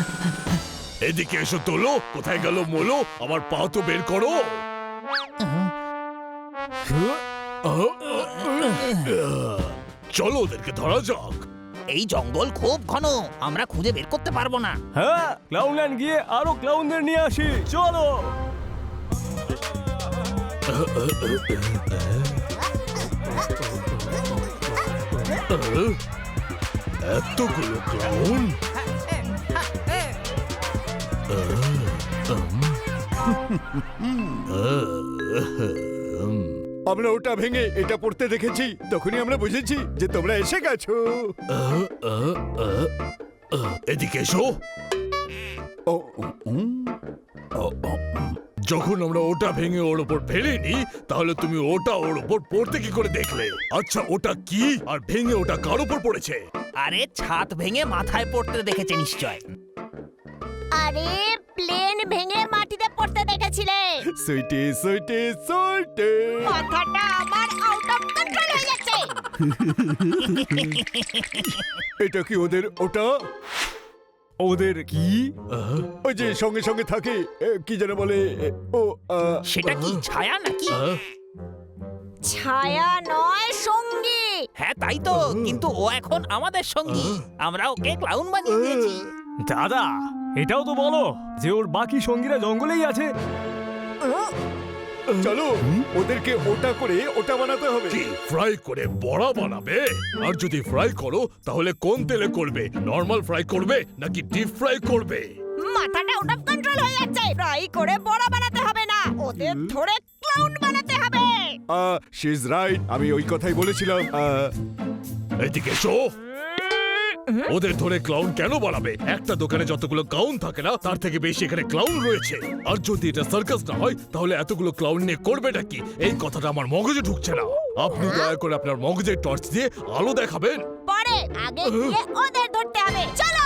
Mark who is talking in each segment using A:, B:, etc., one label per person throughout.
A: এদিকে এসো তোলো। কোথায় গেল মোলো? আমার পা তো বের করো। চলো ওদেরকে ধরা যাক।
B: এই জঙ্গল খুব ঘন, আমরা খুঁজে বের করতে পারবো না।
C: হ্যাঁ, ক্লাউনল্যান্ড গিয়ে আরো ক্লাউনদের নিয়ে আসি, চলো।
A: এতগুলো ক্লাউন।
D: আমরা ওটা ভেঙে এটা পড়তে দেখেছি, তখনই আমরা বুঝেছি যে তোমরা এসে গেছো।
A: এদিকে এসো।
D: ও,
A: যখন আমরা ওটা ভেঙে ওর উপর ফেলিনি, তাহলে তুমি ওটা ওর উপর পড়তে কি করে দেখলে? আচ্ছা ওটা কি আর ভেঙে ওটা কার উপর পড়েছে?
B: আরে ছাদ ভেঙে মাথায় পড়তে দেখেছে নিশ্চয়।
E: আরে প্লেন ভেঙে মাটিতে পড়তে দেখেছিলে।
D: সুইটি সুইটি সুইটি।
E: মাথাটা আমার আউট অফ কন্ট্রোল হয়ে যাচ্ছে।
D: এটা কি ওদের ওটা?
C: ওদের কি?
D: ওই যে সঙ্গে সঙ্গে থাকে, কি যেন বলে, ও
B: সেটা কি ছায়া নাকি?
E: ছায়া নয়, সঙ্গী।
B: হ্যাঁ তাই তো, কিন্তু ও এখন আমাদের সঙ্গী। আমরা ওকে ক্লাউন বানিয়ে দিয়েছি।
C: দাদা, এটাও তো বলো যে ওর বাকি সঙ্গীরা জঙ্গলেই আছে।
D: চলো ওদেরকে ওটা করে ওটা বানাতে হবে।
A: কি ফ্রাই করে বড়া বানাবে? আর যদি ফ্রাই করো তাহলে কোন তেলে করবে? নরমাল ফ্রাই করবে নাকি ডিপ ফ্রাই করবে?
E: মাথাটা আউট অফ কন্ট্রোল হয়ে যাচ্ছে। ফ্রাই করে বড়া বানাতে হবে না, ওদের ধরে ক্লাউন বানাতে হবে।
D: শি ইজ রাইট, আমি ওই কথাই বলেছিলাম।
A: এদিকে এসো। ওদের ধরে ক্লাউন কেন বানাবে? একটা দোকানে যতগুলো ক্লাউন থাকে না, তার থেকে বেশি এখানে ক্লাউন রয়েছে। আর যদি এটা সার্কাস না হয়, তাহলে এতগুলো ক্লাউন নিয়ে করবেটা কি? এই কথাটা আমার মগজে ঢুকছে না। আপনি দয়া করে আপনার মগজের টর্চ দিয়ে আলো দেখাবেন।
E: পরে আগে গিয়ে ওদের ধরতে হবে, চলো।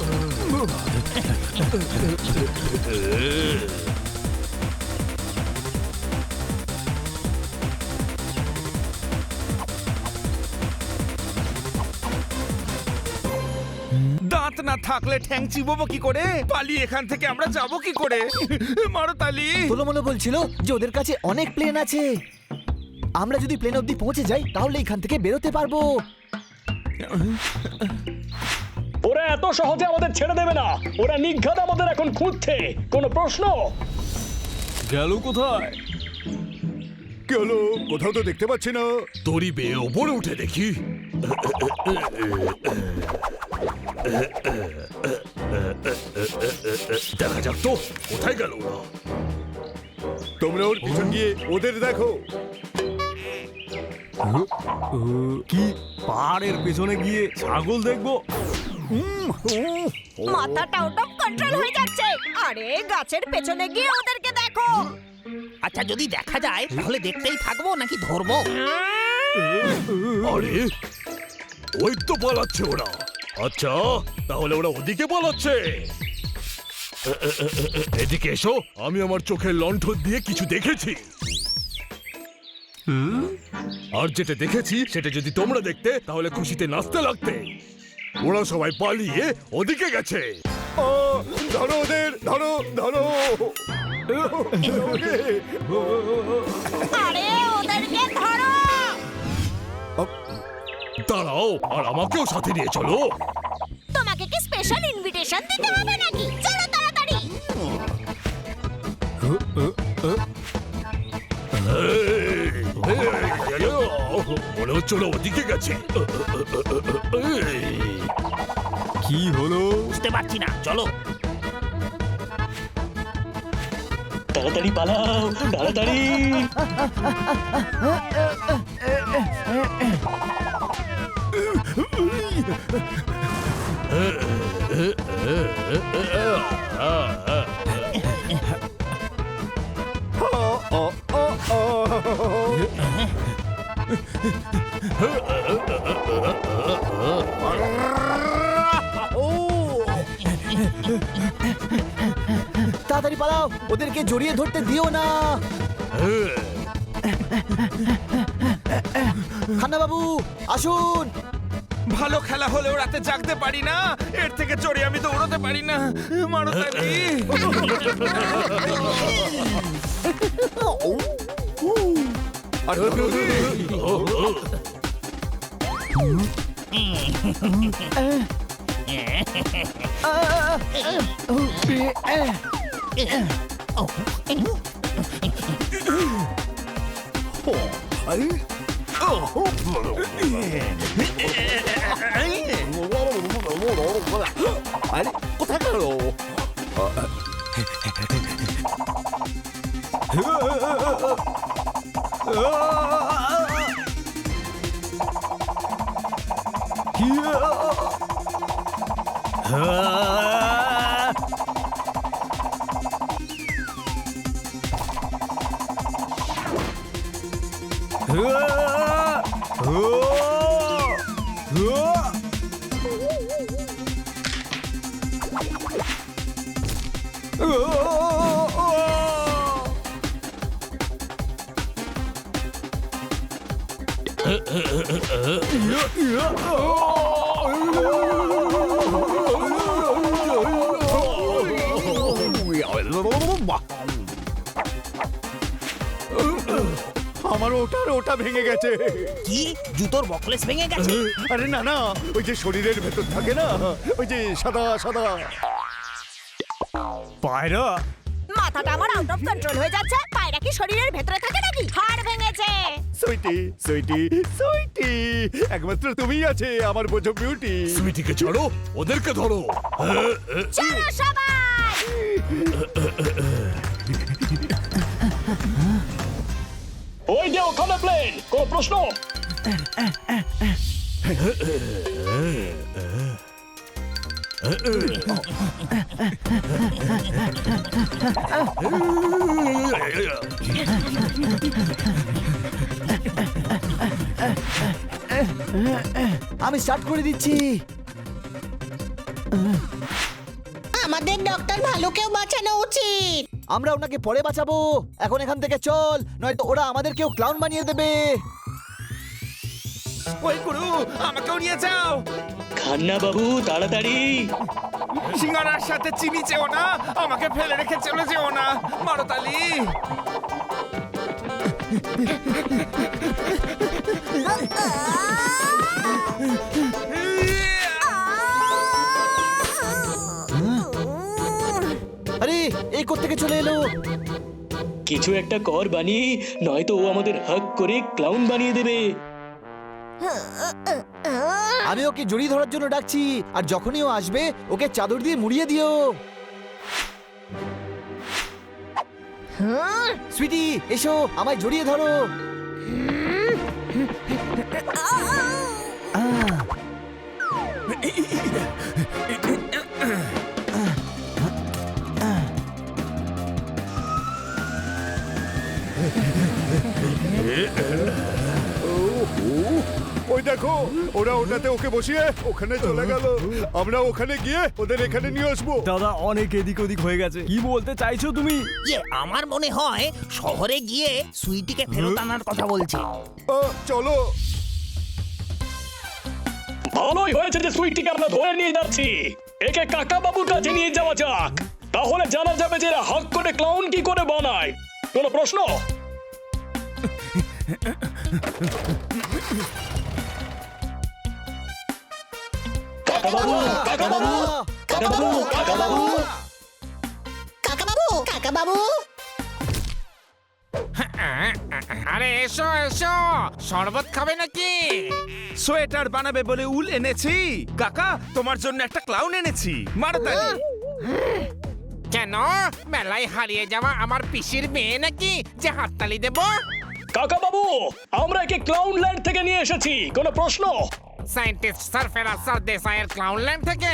F: দাঁত না থাকলে ঠ্যাং চিবোবো কি করে? পালিয়ে এখান থেকে আমরা যাবো কি করে? মারো তালি।
G: তোলোমলো বলছিল যে ওদের কাছে অনেক প্লেন আছে। আমরা যদি প্লেন অবধি পৌঁছে যাই তাহলে এখান থেকে বেরোতে পারবো।
H: ওরা এত সহজে আমাদের ছেড়ে দেবে না। ওরা নিঘাত আমাদের এখন খুঁজছে। কোনো প্রশ্ন?
C: গেল কোথায়?
D: কি হলো? কোথাও তো দেখতে পাচ্ছি না।
A: দড়ি বেয়ে ওপরে উঠে দেখি। দেখা যাক তো কোথায় গেল ওরা।
D: তোমরা ওর পিছন গিয়ে ওদের দেখো।
C: কি পাহাড়ের পেছনে গিয়ে ছাগল দেখবো?
E: মাথাটা আউট অফ কন্ট্রোল হয়ে যাচ্ছে। আরে গাছের পেছনে গিয়ে ওদেরকে দেখো।
B: আচ্ছা যদি দেখা যায় তাহলে দেখতেই থাকবো নাকি ধরবো?
A: আরে ওই তো পালাচ্ছে ওরা। আচ্ছা তাহলে ওরা ওদিকে পালাচ্ছে। এদিকে এসো, আমি আমার চোখের লণ্ঠন দিয়ে কিছু দেখেছি। আর যেটা দেখেছি সেটা যদি তোমরা দেখতে তাহলে খুশিতে নাচতে লাগতে। ওরা সবাই পালিয়ে ওদিকে গেছে।
D: ধরো ওদের, ধরো ধরো।
E: আরে ওদেরকে ধরো।
A: দাঁড়াও, আর আমাকেও সাথে নিয়ে চলো।
E: তোমাকে কি স্পেশাল ইনভিটেশন দিতে হবে নাকি? চলো তাড়াতাড়ি।
A: মনে হচ্ছে ওরা ওদিকে গেছে।
C: কি হলো?
B: বুঝতে পারছি না, চলো।
H: তাড়াতাড়ি পালাও, তাড়াতাড়ি।
G: তাড়াতাড়ি পালাও, ওদেরকে জড়িয়ে ধরতে দিও না। খান্না বাবু আসুন।
F: ভালো খেলা হলেও রাতে জাগতে পারি না, এর থেকে চড়ে আমি দৌড়াতে পারি না। মারতালি
D: আরে কোথায় গেল? আমার ওটা ভেঙে গেছে।
B: কি জুতোর বকলেস ভেঙে গেছে?
D: আরে না না, ওই যে শরীরের ভেতর থাকে না, ওই যে সাদা সাদা।
C: পায়রা,
E: মাথাটা আমার আউট অফ কন্ট্রোল হয়ে যাচ্ছে। পায়রা কি শরীরের ভেতরে থাকে নাকি? হাড় ভেঙেছে।
D: সুইটি সুইটি সুইটি, একমাত্র তুমিই আছে আমার বোঝো বিউটি।
A: সুইটিকে ছাড়ো, ওদেরকে ধরো।
E: চলো সবাই।
H: ওই যে ওখানে প্লেন, কোনো প্রশ্ন?
G: আমি স্টার্ট করে দিচ্ছি।
I: আমাদের ডক্টর ভালুকেও বাঁচানো উচিত।
G: আমরা ওনাকে পরে বাঁচাবো, এখন এখান থেকে চল, নয়তো ওরা আমাদেরকেও ক্লাউন বানিয়ে দেবে।
F: ওই গুরু, আমাকেও নিয়ে যাও।
H: খান্না বাবু তাড়াতাড়ি।
F: সিঙ্গারার সাথে চিনি চেও না, আমাকে ফেলে রেখে চলে যেও না। মারতালি
G: আরে এই কোত্থেকে চলে এলো?
H: কিছু একটা কর বানিয়ে, নয়তো ও আমাদের হাক করে ক্লাউন বানিয়ে দেবে।
G: আমি ওকে জড়িয়ে ধরার জন্য ডাকছি, আর যখনই ও আসবে ওকে চাদর দিয়ে মুড়িয়ে দিও। সুইটি এসো, আমায় জড়িয়ে ধরো।
D: ওই দেখো, ওরা ওটাতে ওকে বসিয়ে ওখানে চলে গেল। আমরা ওখানে গিয়ে ওদের এখানে নিয়ে আসবো।
C: দাদা অনেক এদিক ওদিক হয়ে গেছে। কি বলতে চাইছো তুমি?
B: আমার মনে হয় শহরে গিয়ে সুইটিকে ফেরত আনার কথা বলছে।
D: চলো।
H: ভালোই হয়েছে যে সুইটিকে আমরা ধরে নিয়ে যাচ্ছি। একে কাকা বাবুর কাছে নিয়ে যাওয়া যাক, তাহলে জানা যাবে যে এরা হাক করে ক্লাউন কি করে বানায়। কোনো প্রশ্ন? কাকা বাবু, কাকা বাবু, কাকা বাবু, কাকা বাবু।
I: কাকাবাবু, কাকাবাবু।
F: আরে এসো এসো, শরবত খাবে নাকি? সোয়েটার বানাবে বলে উল এনেছি। কাকা, তোমার জন্য একটা ক্লাউন এনেছি। মারতালি কেন? মেলায় হারিয়ে যাওয়া আমার পিসির মেয়ে নাকি যে হাততালি দেব?
H: কাকা বাবু, আমরা একে ক্লাউন ল্যান্ড থেকে নিয়ে এসেছি। কোনো প্রশ্ন?
F: সায়েন্টিস্ট সারফেরা সারদেসাইয়ের ক্লাউন ল্যান্ড থেকে।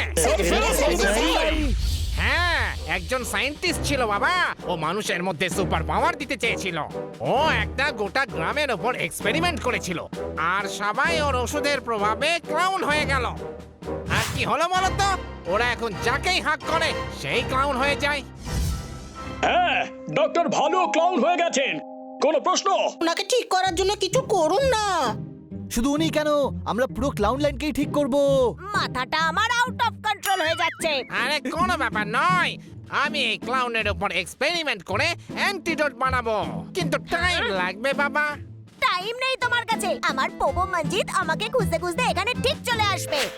F: হ্যাঁ, একজন সায়েন্টিস্ট ছিল বাবা। ও মানুষের মধ্যে সুপার পাওয়ার দিতে চেয়েছিল। ও একটা গোটা গ্রামের ওপর এক্সপেরিমেন্ট করেছিল, আর সবাই ওর ওষুধের প্রভাবে ক্লাউন হয়ে গেল। আর কি হলো বলতো? ওরা এখন যাকেই হাক করে সেই ক্লাউন হয়ে যায়।
H: হ্যাঁ, ডক্টর ভালো ক্লাউন হয়ে গেছেন। কোনো প্রশ্ন?
I: ওনাকে ঠিক করার জন্য কিছু করুন না।
G: শুধু উনি কেন, আমরা পুরো ক্লাউন লাইনকেই ঠিক করব।
E: মাথাটা আমার আউট অফ কন্ট্রোল হয়ে যাচ্ছে।
F: আরে কোনো ব্যাপার নয়, আমি এই ক্লাউনের উপর এক্সপেরিমেন্ট করে অ্যান্টিডোট বানাবো, কিন্তু টাইম লাগবে বাবা।
E: টাইম নেই তোমার কাছে। আমার পোপো মঞ্জিত আমাকে খুঁজতে খুঁজতে এখানে ঠিক চলে আসবে।